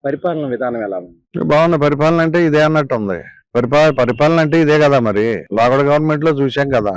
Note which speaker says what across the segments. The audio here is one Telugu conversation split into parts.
Speaker 1: పరిపాలన విధానం ఎలా ఉంది?
Speaker 2: బాగుంది. పరిపాలన అంటే ఇదే అన్నట్టు ఉంది. పరిపాలన అంటే ఇదే కదా మరి. లోగడ గవర్నమెంట్ లో చూసాం కదా,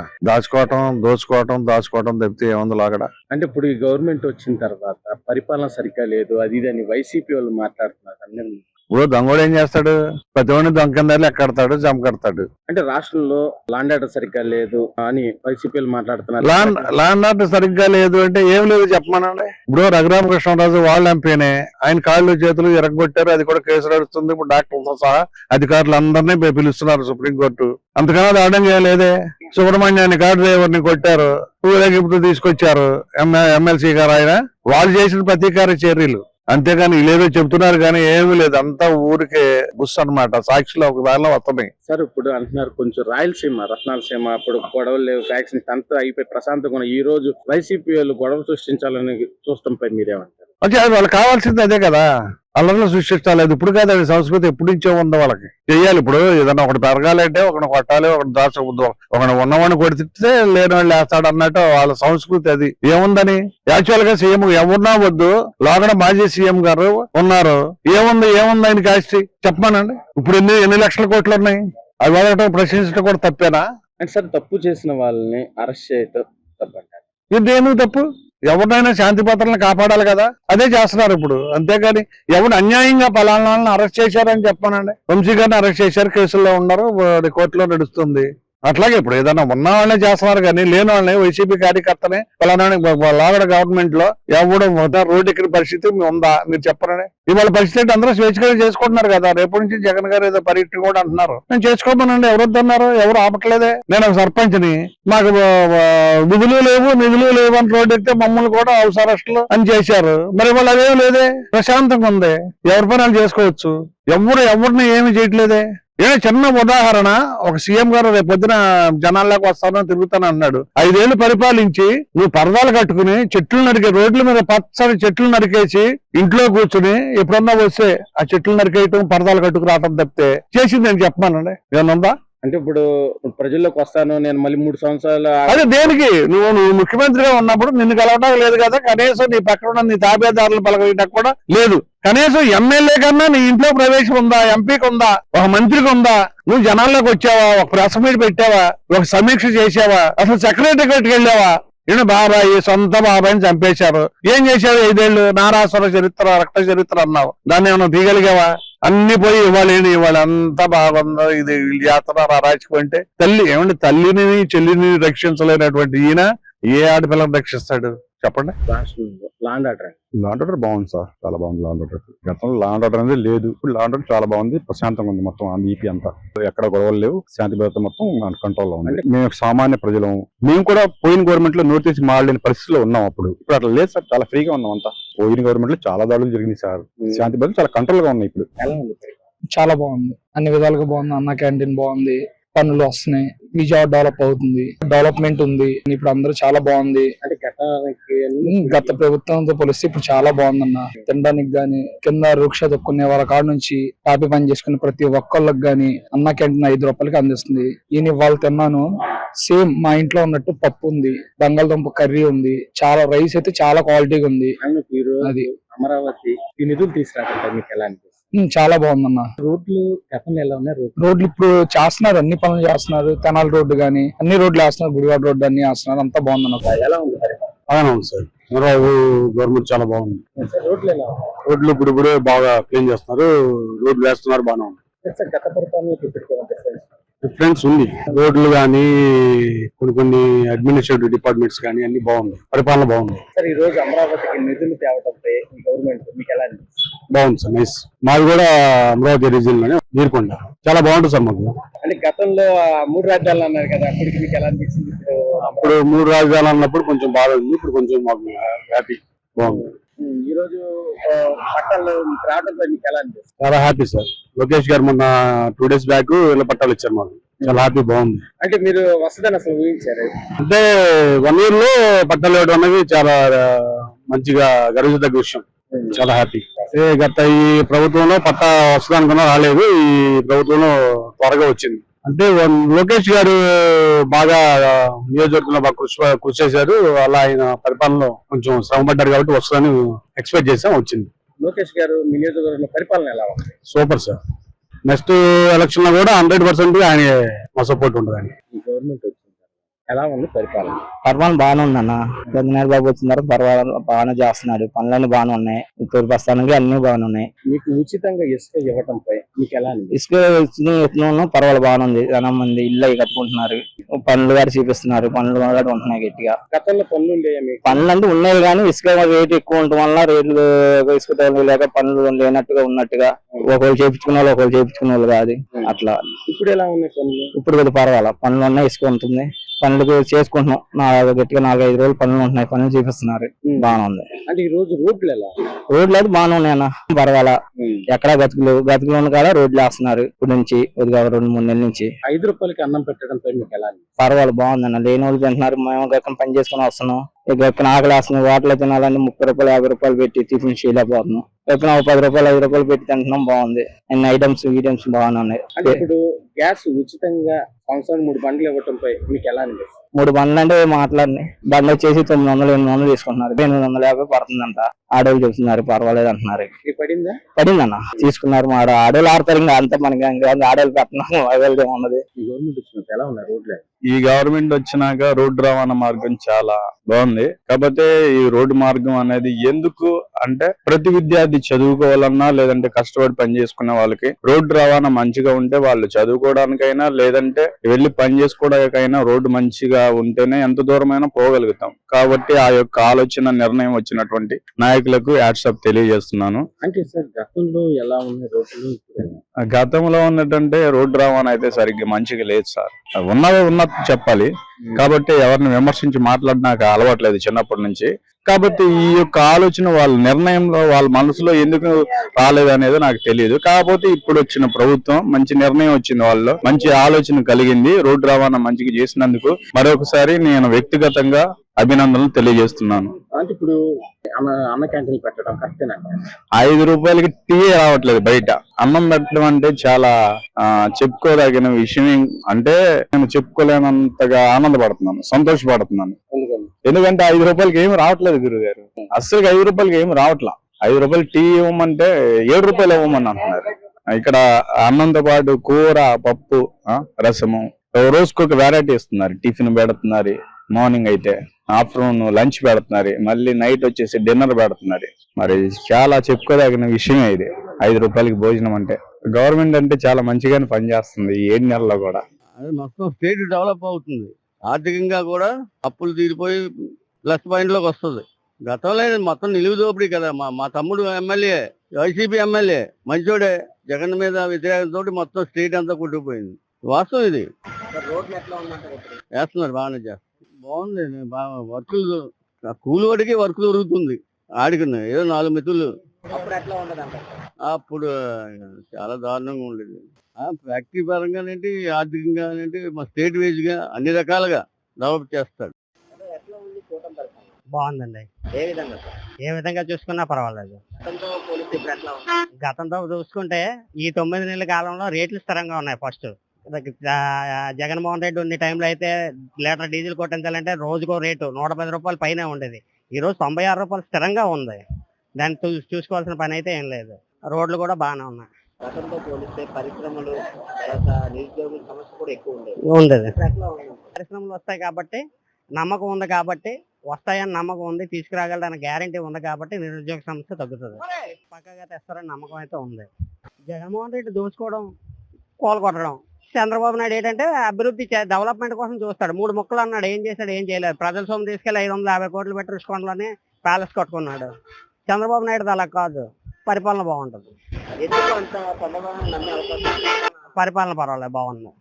Speaker 2: దోచుకోవటం తప్పితే ఏముంది లోగడ.
Speaker 1: అంటే ఇప్పుడు ఈ గవర్నమెంట్ వచ్చిన తర్వాత పరిపాలన సరిగ్గా లేదు, అది ఇది అని వైసీపీ వాళ్ళు మాట్లాడుతున్నారు అందరూ.
Speaker 2: ఇప్పుడు దొంగోడు ఏం చేస్తాడు? ప్రతి ఒడిని దొంగ కింద ఎక్కడతాడు, జమకడతాడు.
Speaker 1: అంటే రాష్ట్రంలో లాండ్ ఆర్డర్ సరిగ్గా లేదు అని వైసీపీ వాళ్ళు మాట్లాడుతున్నారు.
Speaker 2: ల్యాండ్ ఆర్డర్ సరిగ్గా లేదు అంటే ఏం లేదు చెప్పమనండి. ఇప్పుడు రఘురామకృష్ణరాజు వాళ్ళ ఎంపీనే, ఆయన కాళ్ళు చేతులు ఎరగొట్టారు, అది కూడా కేసు నడుస్తుంది. ఇప్పుడు డాక్టర్లతో సహా అధికారులందరినీ పిలుస్తున్నారు సుప్రీంకోర్టు. అంతకన్నా దాడం చేయలేదే. సుబ్రహ్మణ్యాన్ని కారు డ్రైవర్ని కొట్టారు, ఊరేగింపు తీసుకొచ్చారు ఎమ్మెల్సీ గారు. ఆయన వాళ్ళు చేసిన ప్రతీకార చర్యలు అంతేగాని లేదో చెప్తున్నారు కానీ ఏమీ లేదు. అంతా ఊరికే బుస్ అన్నమాట. సాక్షిలో ఒక దానిలో వస్తున్నాయి.
Speaker 1: సార్ ఇప్పుడు అంటున్నారు కొంచెం రాయలసీమ, రత్నాలసీమ అప్పుడు గొడవలు లేవు, ఫ్యాక్షన్ అంతా అయిపోయి ప్రశాంతంగా ఈ రోజు వైసీపీ వాళ్ళు గొడవ సృష్టించాలని చూస్తాంపై మీరేమంటారు?
Speaker 2: అంటే వాళ్ళకి కావాల్సింది అదే కదా, అల్లర్లు సృష్టించాలేదు. ఇప్పుడు కాదు, అది సంస్కృతి ఎప్పుడు నుంచో ఉందో వాళ్ళకి. చెయ్యాలి. ఇప్పుడు ఏదన్నా ఒకటి పెరగాలంటే ఒకటి కొట్టాలి, ఒకటి ఒకటి ఉన్నవాడిని కొడితే లేని వాళ్ళు వేస్తాడు అన్నట్టు వాళ్ళ సంస్కృతి. అది ఏముందని యాక్చువల్ గా సీఎం ఎవరున్నా వద్దు, లోగడ మాజీ సీఎం గారు ఉన్నారు. ఏముంది ఆయన కాస్టి చెప్పమానండి. ఇప్పుడు ఎన్ని లక్షల కోట్లు ఉన్నాయి, అవి వాళ్ళ ప్రశ్నించడం కూడా తప్పేనా?
Speaker 1: అంటే సార్ తప్పు చేసిన వాళ్ళని అరెస్ట్ చేయటం తప్పంటారు.
Speaker 2: ఇదేను తప్పు. ఎవరినైనా శాంతి భద్రతలను కాపాడాలి కదా, అదే చేస్తున్నారు ఇప్పుడు. అంతేగాని ఎవరు అన్యాయంగా పలానాలను అరెస్ట్ చేశారని చెప్పానండి. వంశీ గారిని అరెస్ట్ చేశారు, కేసుల్లో ఉన్నారు, కోర్టులో నడుస్తుంది. అట్లాగే ఇప్పుడు ఏదైనా ఉన్న వాళ్ళనే చేస్తున్నారు కానీ లేని వాళ్ళని వైసీపీ కార్యకర్తనే పలానా లాగడ గవర్నమెంట్ లో ఎవడు రోడ్డు ఎక్కిన పరిస్థితి ఉందా మీరు చెప్పరండి. ఇవాళ పరిస్థితి అందరూ స్వేచ్ఛగా చేసుకుంటున్నారు కదా. రేపటి నుంచి జగన్ గారు ఏదో పర్యటన కూడా అంటున్నారు. నేను చేసుకోమనండి, ఎవరు వద్దన్నారు? ఎవరు ఆపట్లేదే. నేను ఒక సర్పంచ్ని, మాకు నిధులు లేవు అని రోడ్డు ఎక్కితే మమ్మల్ని కూడా హౌస్ అరెస్టులు అని చేశారు. మరి వాళ్ళు అదేం లేదే, ప్రశాంతంగా ఉంది, ఎవరి పనులు చేసుకోవచ్చు. ఎవరిని ఏమి చేయట్లేదే. చిన్న ఉదాహరణ, ఒక సీఎం గారు రేపు పొద్దున జనాల్లోకి వస్తానని తిరుగుతాను అన్నాడు. 5 ఏళ్లు పరిపాలించి నువ్వు పరదాలు కట్టుకుని చెట్లు నరికే, రోడ్ల మీద పచ్చని చెట్లు నరికేసి ఇంట్లో కూర్చుని ఎప్పుడన్నా వస్తే ఆ చెట్లు నరికేయటం, పరదాలు కట్టుకు రావటం తప్పితే చేసింది నేను చెప్పమానండి. ఏమన్నా
Speaker 1: అంటే ఇప్పుడు ప్రజల్లోకి వస్తాను నేను మళ్ళీ 3 సంవత్సరాలు,
Speaker 2: అదే దేనికి? నువ్వు ముఖ్యమంత్రిగా ఉన్నప్పుడు నిన్ను కలవటం లేదు కదా, కనీసం నీ పక్కన ఉన్న నీ తాబేదారులు పలకటం కూడా లేదు. కనీసం ఎమ్మెల్యే కన్నా నీ ఇంట్లో ప్రవేశం ఉందా, ఎంపీకి ఉందా, ఒక మంత్రికి ఉందా? నువ్వు జనాల్లోకి వచ్చావా, ఒక ప్రెస్ మీట్ పెట్టావా, ఒక సమీక్ష చేసావా, అసలు సెక్రటరీకి వెళ్ళావా? బాబాయ్, సొంత బాబాయిని చంపేశారు. ఏం చేశారు 5 ఏళ్లు? నారాసుర చరిత్ర, రక్త చరిత్ర అన్నావు, దాన్ని ఏమన్నా తీయగలిగావా? అన్ని పోయి ఇవ్వాలి అంతా బాగుందో, ఇది జాతర రాజకీయం అంటే తల్లిని చెల్లిని రక్షించలేనటువంటి ఈయన ఏ ఆడపిల్లని రక్షిస్తాడు చెప్పండి?
Speaker 1: లాండ్
Speaker 3: ఆర్డర్ బాగుంది సార్, చాలా బాగుంది లాండ్ ఆర్డర్. గతంలో లాండ్ ఆర్డర్ అనేది లేదు, ఇప్పుడు లాండ్ ఆర్డర్ చాలా బాగుంది, ప్రశాంతంగా ఉంది. మొత్తం ఈపీ అంతా ఎక్కడ గొడవలు లేవు, శాంతి భద్రత మొత్తం మన కంట్రోల్లో ఉంది. మేము సామాన్య ప్రజలం, మేము కూడా పోయిన గవర్నమెంట్ లో నోటీస్ మారలేని పరిస్థితిలో ఉన్నాం. ఇప్పుడు అట్లా లేదు సార్, చాలా ఫ్రీగా ఉన్నాం అంతా. పోయిన గవర్నమెంట్ లో చాలా దాడులు జరిగింది సార్, శాంతి భద్రత చాలా కంట్రోల్ గా ఉన్నాయి. ఇప్పుడు
Speaker 4: చాలా బాగుంది, అన్ని విధాలుగా బాగుంది. అన్న క్యాంటీన్ బాగుంది, పనులు వస్తున్నాయి, విజయవాడ డెవలప్ అవుతుంది, డెవలప్మెంట్ ఉంది. ఇప్పుడు అందరూ చాలా బాగుంది.
Speaker 1: అంటే
Speaker 4: గత ప్రభుత్వంతో పోలిస్తే ఇప్పుడు చాలా బాగుందన్న. తినడానికి గాని, కింద వృక్ష దొక్కునే వాళ్ళ కాడ నుంచి టాపీ పని చేసుకునే ప్రతి ఒక్కళ్ళకి గాని అన్న క్యాంటీన్ 5 రూపాయలకి అందిస్తుంది. ఈయన వాళ్ళు తిన్నాను, సేమ్ మా ఇంట్లో ఉన్నట్టు పప్పు ఉంది, బంగాళదుంప కర్రీ ఉంది, చాలా రైస్ అయితే చాలా క్వాలిటీగా ఉంది.
Speaker 1: అది అమరావతి ఈ నిధులు తీసుకురాక మీకు ఎలా అనిపిస్తుంది?
Speaker 4: చాలా బాగుందన్న.
Speaker 1: రోడ్లు గతంలో ఎలా ఉన్నాయి?
Speaker 4: రోడ్లు ఇప్పుడు చేస్తున్నారు, అన్ని పనులు చేస్తున్నారు. తెనాలి రోడ్డు గానీ అన్ని రోడ్లు వేస్తున్నారు, గుడివాడ రోడ్డు అన్ని వేస్తున్నారు, అంతా బాగుందన్న.
Speaker 1: ఎలా ఉంది?
Speaker 3: బాగానే ఉంది సార్, చంద్రబాబు గవర్నమెంట్ చాలా బాగుంది.
Speaker 1: రోడ్లు ఎలా?
Speaker 3: రోడ్లు ఇప్పుడు బాగా క్లీన్ చేస్తున్నారు, రోడ్లు వేస్తున్నారు, బాగానే ఉంది.
Speaker 1: గత పరిపాలన
Speaker 3: డిఫరెన్స్ ఉంది. రోడ్లు కానీ కొన్ని అడ్మినిస్ట్రేటివ్ డిపార్ట్మెంట్స్ కానీ అన్ని బాగుంది, పరిపాలన బాగుంది.
Speaker 1: సార్ ఈ రోజు అమరావతికి నిధులు తేవడంపై గవర్నమెంట్ మీకు ఎలా అనిపిస్తుంది?
Speaker 3: బాగుంది సార్, నైస్. మాది కూడా అమరావతి రీజియన్ లోనే నీరుకొండ, చాలా బాగుంటుంది సార్ మాకు.
Speaker 1: అంటే గతంలో 3 రాజ్యాలు అన్నారు కదా, అప్పటికి మీకు ఎలా అనిపించింది?
Speaker 3: అప్పుడు 3 రాజధానులు అన్నప్పుడు కొంచెం బాగా ఉంది, ఇప్పుడు కొంచెం మాకు హ్యాపీ, బాగుంది.
Speaker 1: ఈ రోజు పట్టాలు రావడంపై మీకు ఎలా అనిపిస్తుంది?
Speaker 3: చాలా హ్యాపీ సార్. లోకేష్ గారు మొన్న 2 days బ్యాక్ ఇళ్ళ పట్టాలు ఇచ్చారు మాకు, చాలా హ్యాపీ, బాగుంది.
Speaker 1: అంటే మీరు వస్తుందని అసలు ఊహించారు?
Speaker 3: అంటే 1 year లో పట్టాలు ఇవ్వడం అనేది చాలా మంచిగా గర్వించదగ్గ విషయం, చాలా హ్యాపీ. గత ఈ ప్రభుత్వంలో పట్టా వస్తుంది అనుకున్నా, రాలేదు. ఈ ప్రభుత్వంలో త్వరగా వచ్చింది. అంటే లోకేష్ గారు బాగా నియోజకవర్గంలో బాగా కృషి చేశారు. అలా ఆయన పరిపాలనలో కొంచెం శ్రమ పడ్డారు కాబట్టి వస్తుందని ఎక్స్పెక్ట్ చేసాం, వచ్చింది.
Speaker 1: లోకేష్ గారు మీ నియోజకవర్గంలో పరిపాలన ఎలా ఉంది?
Speaker 2: Super sir. నెక్స్ట్ ఎలక్షన్ లో కూడా 100% ఆయన మా సపోర్ట్ ఉంటుంది.
Speaker 1: ఈ గవర్నమెంట్ వచ్చింది ఎలా ఉంది పరిపాలన?
Speaker 5: పరిపాలన బాగానే ఉందన్న. చంద్రబాబు బాబు వచ్చిన తర్వాత పర్వాలేదు, బాగానే చేస్తున్నాడు. పనులన్నీ బాగానే ఉన్నాయి. ఇప్పుడు ప్రస్తుతానికి అన్ని బాగానే ఉన్నాయి.
Speaker 1: మీకు ఉచితంగా ఇసుక ఇవ్వటంపై మీకు ఎలా అనిపిస్తుంది?
Speaker 5: ఇసుక పర్వాలేదు, బాగానే ఉంది. చాలా మంది ఇల్లు అవి కట్టుకుంటున్నారు, పనులు గారు చూపిస్తున్నారు, పనులు కూడా ఉంటున్నాయి గట్టిగా.
Speaker 1: గతంలో పనులు ఉండేయా మీకు?
Speaker 5: పనులు అంటే ఉన్నాయి కానీ ఇసుక రేటు ఎక్కువ ఉండటం వల్ల రేట్లు ఇసుక తోలు లేక పనులు లేనట్టుగా ఉన్నట్టుగా ఒకళ్ళు చేయించుకునే వాళ్ళు ఒకళ్ళు చేయించుకునే వాళ్ళు కాదు అట్లా.
Speaker 1: ఇప్పుడు ఎలా ఉన్నాయి పనులు?
Speaker 5: ఇప్పుడు కొద్దిగా పర్వాలేదు, పనులు ఉన్నాయి, ఇసుక ఉంటుంది, పనులు చేసుకుంటున్నాం. గట్టిగా 4-5 రోజులు పనులు ఉంటున్నాయి, పనులు చూపిస్తున్నారు, బాగానే ఉంది.
Speaker 1: అంటే ఈ రోజు రోడ్లు ఎలా?
Speaker 5: రోడ్లు అయితే బాగానే ఉన్నాయన్న, పర్వాలా. ఎక్కడా గతుకులు ఉన్న కాడ రోడ్లు వేస్తున్నారు ఇప్పుడు నుంచి, కొద్దిగా 2-3 నెలల నుంచి.
Speaker 1: 5 రూపాయలకి అన్నం పెట్టడంపై మీకు ఎలా?
Speaker 5: పర్వాలేదు, బాగుందన్న. లేని వాళ్ళు తింటున్నారు, మేము గక్కన పని చేసుకుని వస్తున్నాం. గక్కన ఆకలి వేస్తున్నాం, హోటల్ తినాలని 30 రూపాయలు 50 రూపాయలు పెట్టి టిఫిన్ చేయలేకపోతున్నాం. గక్కన 10 రూపాయలు 5 రూపాయలు పెట్టి తింటున్నాం, బాగుంది. అన్ని ఐటమ్స్ బాగానే ఉన్నాయి.
Speaker 1: అంటే ఇప్పుడు గ్యాస్ ఉచితంగా సంవత్సరానికి 3 బండ్లు ఇవ్వటంపై మీకు ఎలా అనిపిస్తుంది?
Speaker 5: 3 బండ్లు అంటే మాట్లాడినాయి. బండ్లు వచ్చేసి 900-800 తీసుకుంటున్నారు, 850 పడుతుందంట. ఆడోళ్ళు చెప్తున్నారు పర్వాలేదు అంటున్నారు. పడిందన్న, తీసుకున్నారు. మా ఆడోళ్ళు ఆడతారు, ఇంకా అంతా మనకి ఆడోళ్ళు పెట్టినాము, అవైలబుల్ ఉన్నది.
Speaker 1: ఈ గవర్నమెంట్ వచ్చినప్పుడు ఎలా ఉన్నాయి రోడ్లు?
Speaker 3: ఈ గవర్నమెంట్ వచ్చినాక రోడ్డు రవాణా మార్గం చాలా బాగుంది. కాకపోతే ఈ రోడ్డు మార్గం అనేది ఎందుకు అంటే ప్రతి విద్యార్థి చదువుకోవాలన్నా లేదంటే కష్టపడి పని చేసుకునే వాళ్ళకి రోడ్డు రవాణా మంచిగా ఉంటే వాళ్ళు చదువుకోవడానికైనా లేదంటే వెళ్లి పని చేసుకోవడానికైనా రోడ్డు మంచిగా ఉంటేనే ఎంత దూరమైనా పోగలుగుతాం. కాబట్టి ఆ యొక్క ఆలోచన నిర్ణయం వచ్చినటువంటి నాయకులకు యాట్సాప్ తెలియజేస్తున్నాను.
Speaker 1: అంటే సార్ గతంలో ఎలా ఉన్నాయి రోడ్లు?
Speaker 3: గతంలో ఉన్నట్టంటే రోడ్డు రవాణా అయితే సరిగ్గా మంచిగా లేదు సార్. ఉన్నట్టు చెప్పాలి. కాబట్టి ఎవరిని విమర్శించి మాట్లాడినాక అలవాట్లేదు చిన్నప్పటి నుంచి. కాబట్టి ఈ యొక్క ఆలోచన వాళ్ళ నిర్ణయంలో వాళ్ళ మనసులో ఎందుకు రాలేదు అనేది నాకు తెలియదు. కాకపోతే ఇప్పుడు వచ్చిన ప్రభుత్వం మంచి నిర్ణయం వచ్చింది, వాళ్ళు మంచి ఆలోచన కలిగింది. రోడ్డు రవాణా మంచిగా చేసినందుకు మరొకసారి నేను వ్యక్తిగతంగా అభినందనలు తెలియజేస్తున్నాను.
Speaker 1: అంటే ఇప్పుడు అన్న క్యాంటీన్ పెట్టడం కరెక్టేనా?
Speaker 3: 5 రూపాయలకి టీ రావట్లేదు బయట. అన్నం పెట్టడం అంటే చాలా చెప్పుకోదగిన విషయం. అంటే నేను చెప్పుకోలేనంతగా ఆనందపడుతున్నాను, సంతోషపడుతున్నాను. ఎందుకంటే 5 రూపాయలకి ఏమి రావట్లేదు గురువు గారు. అస్సలు 5 రూపాయలకి ఏమి రావట్లా. 5 రూపాయలు టీ ఇవ్వమంటే 7 రూపాయలు ఇవ్వమని అంటున్నారు. ఇక్కడ అన్నంతో పాటు కూర, పప్పు, రసము, రోజుకొక వెరైటీ ఇస్తున్నారు. టిఫిన్ పెడుతున్నారు, మార్నింగ్ అయితే ఆఫ్టర్నూన్ లంచ్ పెడుతున్నారు, మళ్ళీ నైట్ వచ్చేసి డిన్నర్ పెడుతున్నారు. మరి చాలా చెప్పుకోదగిన విషయమే ఇది. 5 రూపాయలకి భోజనం అంటే గవర్నమెంట్ అంటే చాలా మంచిగానే పనిచేస్తుంది ఈ 7 నెలల్లో కూడా.
Speaker 6: మొత్తం స్టేట్ డెవలప్ అవుతుంది, ఆర్థికంగా కూడా అప్పులు తీరిపోయి ప్లస్ పాయింట్ లోకి వస్తుంది. గతంలో మొత్తం నిలువు దోపిడీ కదా. మా తమ్ముడు ఎమ్మెల్యే, వైసీపీ ఎమ్మెల్యే మంచోడే. జగన్ మీద వ్యతిరేకంతో మొత్తం స్టేట్ అంతా కొట్టుకుపోయింది. వాస్తవం ఇది. వేస్తున్నారు, బాగానే చేస్తారు, బాగుంది. వర్కులు కూలి వాడికి వర్క్ దొరుకుతుంది. ఆడికున్నాయి ఏదో 4 మెతులు. అప్పుడు చాలా దారుణంగా ఉండేది. ఫ్యాక్టరీ పరంగానేంటి, ఆర్థికంగానేంటి, మా స్టేట్ వైజ్ గా అన్ని రకాలుగా డెవలప్ చేస్తాడు.
Speaker 5: బాగుందండి. ఏ విధంగా చూసుకున్నా పర్వాలేదు. గతంతో చూసుకుంటే ఈ 9 నెలల కాలంలో రేట్లు స్థిరంగా ఉన్నాయి. ఫస్ట్ జగన్మోహన్ రెడ్డి ఉన్న టైంలో అయితే లీటర్ డీజిల్ కొట్టించాలంటే రోజుకో రేటు 110 రూపాయలు పైన ఉండేది. ఈ రోజు 96 రూపాయలు స్థిరంగా ఉంది. దాన్ని చూసుకోవాల్సిన పని అయితే ఏం లేదు. రోడ్లు కూడా బాగానే ఉన్నాయి.
Speaker 7: గతంతో పోలిస్తే పరిశ్రమలు, నిరుద్యోగుల సమస్య కూడా ఎక్కువ
Speaker 5: ఉండేది. పరిశ్రమలు వస్తాయి కాబట్టి నమ్మకం ఉంది, కాబట్టి వస్తాయని నమ్మకం ఉంది, తీసుకురాగలడని గ్యారంటీ ఉంది, కాబట్టి నిరుద్యోగ సమస్య తగ్గుతుంది. పక్కగా తెస్తారని నమ్మకం అయితే ఉంది. జగన్మోహన్ రెడ్డి దోచుకోవడం, కోలుకొట్టడం. చంద్రబాబు నాయుడు ఏంటంటే అభివృద్ధి డెవలప్మెంట్ కోసం చూస్తాడు. 3 ముక్కలు అన్నాడు, ఏం చేశాడు? ఏం చేయలేదు. ప్రజల సొమ్ము తీసుకెళ్లి 550 కోట్లు పెట్టి రుషికొండలోనే ప్యాలెస్ కట్టుకున్నాడు. చంద్రబాబు నాయుడు అలా కాదు, పరిపాలన బాగుంటుంది. పరిపాలన పర్వాలేదు, బాగుంది,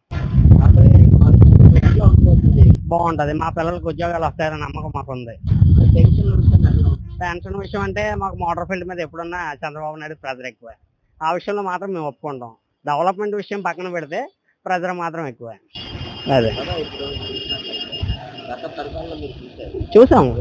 Speaker 5: బాగుంటది. మా పిల్లలకు ఉద్యోగాలు వస్తాయని నమ్మకం మాకు ఉంది. పెన్షన్ విషయం అంటే మాకు మోటార్ ఫీల్డ్ మీద ఎప్పుడున్నా చంద్రబాబు నాయుడు ప్రెజర్ ఎక్కువ. ఆ విషయంలో మాత్రం మేము ఒప్పుకుంటాం. డెవలప్మెంట్ విషయం పక్కన పెడితే ప్రెజర్ మాత్రం ఎక్కువ. అదే చూసాము.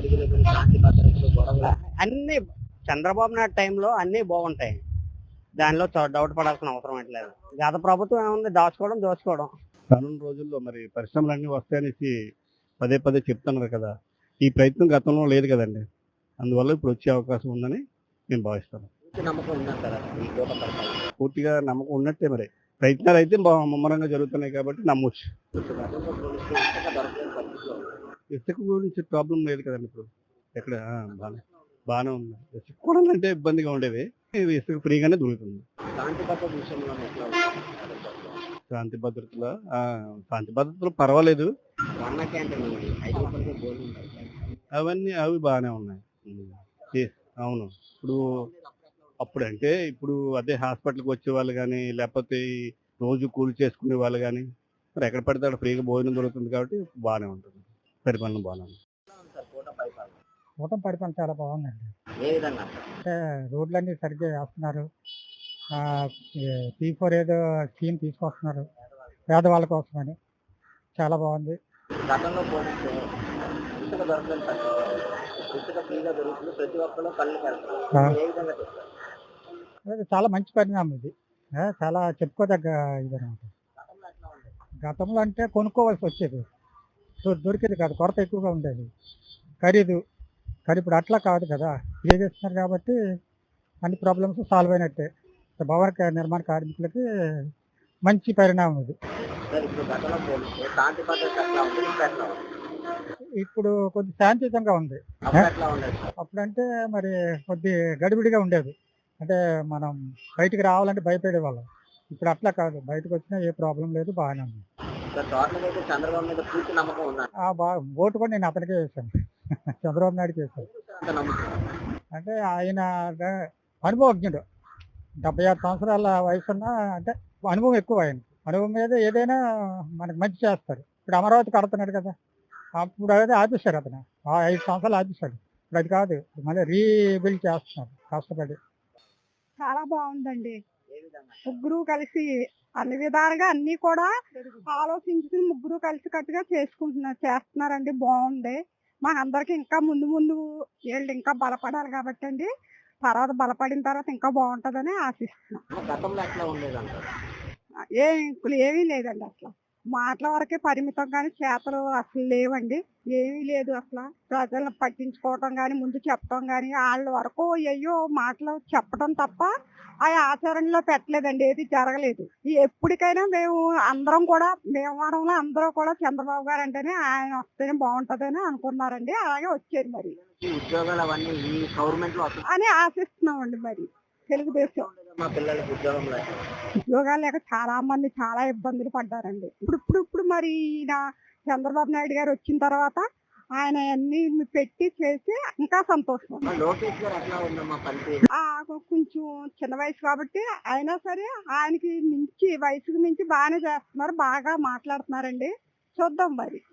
Speaker 5: అన్ని చంద్రబాబు నాయుడు టైంలో అన్ని బాగుంటాయి, దానిలో డౌట్ పడాల్సిన అవసరం లేదు. గత ప్రభుత్వం ఏముంది, దోచుకోవడం.
Speaker 6: రానున్న రోజుల్లో మరి పరిశ్రమలన్నీ వస్తాయనేసి పదే చెప్తున్నారు కదా. ఈ ప్రయత్నం గతంలో లేదు కదండి. అందువల్ల ఇప్పుడు వచ్చే అవకాశం ఉందని నేను భావిస్తాను.
Speaker 7: నమ్మకం ఉందంటారా ఈ కోట పరిపాలన?
Speaker 6: పూర్తిగా నమ్మకం ఉన్నట్టే మరి. ప్రయత్నాలు అయితే ముమ్మరంగా జరుగుతున్నాయి కాబట్టి నమ్మొచ్చు.
Speaker 7: ఇప్పుడు గతంతో పోలిస్తే ఇసుక దొరకలేని పరిస్థితిలో ఉంది.
Speaker 6: ఇసుక గురించి ప్రాబ్లం లేదు కదండి ఇప్పుడు. ఎక్కడ బాగానే ఉంది. ఇసుక కొనాలంటే ఇబ్బందిగా ఉండేది. ఇది ఇసుక ఫ్రీగానే దొరుకుతుంది.
Speaker 7: శాంతి భద్రత విషయంలో ఎట్లా ఉంది?
Speaker 6: శాంతి భద్రతలో శాంతి భద్రతలు పర్వాలేదు.
Speaker 7: అన్న క్యాంటీన్ ఉంది, 5 రూపాయలకే భోజనం పెడతారు.
Speaker 6: అవి బాగానే ఉన్నాయి. అవును. ఇప్పుడు అదే హాస్పిటల్కి వచ్చే వాళ్ళు కానీ, లేకపోతే ఈ రోజు కూలి చేసుకునే వాళ్ళు కానీ, మరి ఎక్కడ పడితే అక్కడ ఫ్రీగా భోజనం దొరుకుతుంది కాబట్టి బాగానే ఉంటుంది. పరిపాలన బాగానే ఉంది.
Speaker 7: ఎట్లా ఉంది సార్ కోట పరిపాలన?
Speaker 8: కూటమి పరిపాలన చాలా బాగుందండి.
Speaker 7: ఏ విధంగా?
Speaker 8: అంటే రోడ్లన్నీ సరిగ్గా వేస్తున్నారు. P4 ఏదో స్కీమ్ తీసుకొస్తున్నారు పేదవాళ్ళ కోసమని, చాలా బాగుంది.
Speaker 7: గతంలో పోలిస్తే ఇసుక దొరకలేని పరిస్థితి. ఇసుక ఫ్రీగా దొరుకుతుంది, ప్రతి ఒక్కరు కళ్ళు పెడతారు. ఏ విధంగా చెప్తారు?
Speaker 8: అది చాలా మంచి పరిణామం ఇది. చాలా చెప్పుకోదగ్గ ఇది అనమాట.
Speaker 7: గతంలో ఎట్లా ఉంది?
Speaker 8: గతంలో అంటే కొనుక్కోవాల్సి వచ్చేది, దొరికేది కాదు, కొరత ఎక్కువగా ఉండేది, ఖరీదు. కానీ ఇప్పుడు అట్లా కాదు కదా, ఫ్రీ చేస్తున్నారు కాబట్టి అన్ని ప్రాబ్లమ్స్ సాల్వ్ అయినట్టే. భవన నిర్మాణ కార్మికులకి మంచి పరిణామం ఇది.
Speaker 7: సార్ ఇప్పుడు గతంలో పోలిస్తే శాంతి భద్రత ఎట్లా ఉంది? ఇప్పుడు ఎట్లా ఉంది?
Speaker 8: ఇప్పుడు కొద్ది శాంతియుతంగా ఉంది.
Speaker 7: అప్పుడు ఎట్లా ఉండేది సార్?
Speaker 8: అప్పుడంటే మరి కొద్ది గడిబిడిగా ఉండేది. అంటే మనం బయటికి రావాలంటే భయపడే వాళ్ళం. ఇప్పుడు అట్లా కాదు, బయటకు వచ్చినా ఏ ప్రాబ్లం లేదు, బాగానే ఉంది.
Speaker 7: సార్ టోటల్గా అయితే చంద్రబాబు మీద పూర్తి నమ్మకం ఉందండి.
Speaker 8: ఓటు కూడా నేను అతనికే వేశాను, చంద్రబాబు నాయుడుకి వేశాను.
Speaker 7: అంత నమ్మకం.
Speaker 8: అంటే ఆయన అనుభవజ్ఞుడు, 76 సంవత్సరాల వయసున్న, అంటే అనుభవం ఎక్కువ ఆయన. అనుభవం మీద ఏదైనా మనకు మంచి చేస్తారు. ఇప్పుడు అమరావతి కడుతున్నాడు కదా, అప్పుడు అదే ఆపేశారు అతను, 5 సంవత్సరాలు ఆపేశాడు. ఇప్పుడు అది కాదు, మళ్ళీ రీబిల్డ్ చేస్తున్నారు కష్టపడి.
Speaker 9: చాలా బాగుందండి.
Speaker 7: ఏ విధంగా?
Speaker 9: ముగ్గురు కలిసి అన్ని విధాలుగా అన్ని కూడా ఆలోచించుకుని ముగ్గురు కలిసి కట్టుగా చేస్తున్నారండి. బాగుంది. మాకందరికి ఇంకా ముందు ముందు వీళ్ళు ఇంకా బలపడాలి కాబట్టి అండి, తర్వాత బలపడిన తర్వాత ఇంకా బాగుంటుందని ఆశిస్తున్నాం.
Speaker 7: గతంలో ఎట్లా ఉండేదంటారు?
Speaker 9: ఏమీ లేదండి, అసలు మాటల వరకే పరిమితం, కానీ చేతలు అసలు లేవండి. ఏమీ లేదు అసలు. ప్రజలను పట్టించుకోవటం కానీ, ముందు చెప్పడం కానీ, వాళ్ళ వరకు అయ్యో మాటలు చెప్పడం తప్ప ఆ ఆచరణలో పెట్టలేదండి, ఏది జరగలేదు. ఎప్పటికైనా మేము అందరం కూడా, భీమవరంలో అందరూ కూడా చంద్రబాబు గారు అంటేనే ఆయన వస్తేనే బాగుంటుందని అనుకున్నారండి. అలాగే వచ్చారు మరి
Speaker 7: ఈ ఉద్యోగాలు అవన్నీ ఈ గవర్నమెంట్ లో
Speaker 9: అని ఆశిస్తున్నామండి. మరి తెలుగుదేశం
Speaker 7: మా పిల్లలకి ఉద్యోగం లేక
Speaker 9: ఉద్యోగాలు లేక చాలా మంది చాలా ఇబ్బందులు పడ్డారండి. ఇప్పుడు మరి ఈయన చంద్రబాబు నాయుడు గారు వచ్చిన తర్వాత ఆయన అన్ని పెట్టి చేసి ఇంకా సంతోషం.
Speaker 7: లోకేష్ గారు ఎట్లా ఉందమ్మా పనితీరు?
Speaker 9: కొంచెం చిన్న వయసు కాబట్టి అయినా సరే ఆయనకి మించి, వయసుకు మించి బాగానే చేస్తున్నారు, బాగా మాట్లాడుతున్నారండి. చూద్దాం మరి.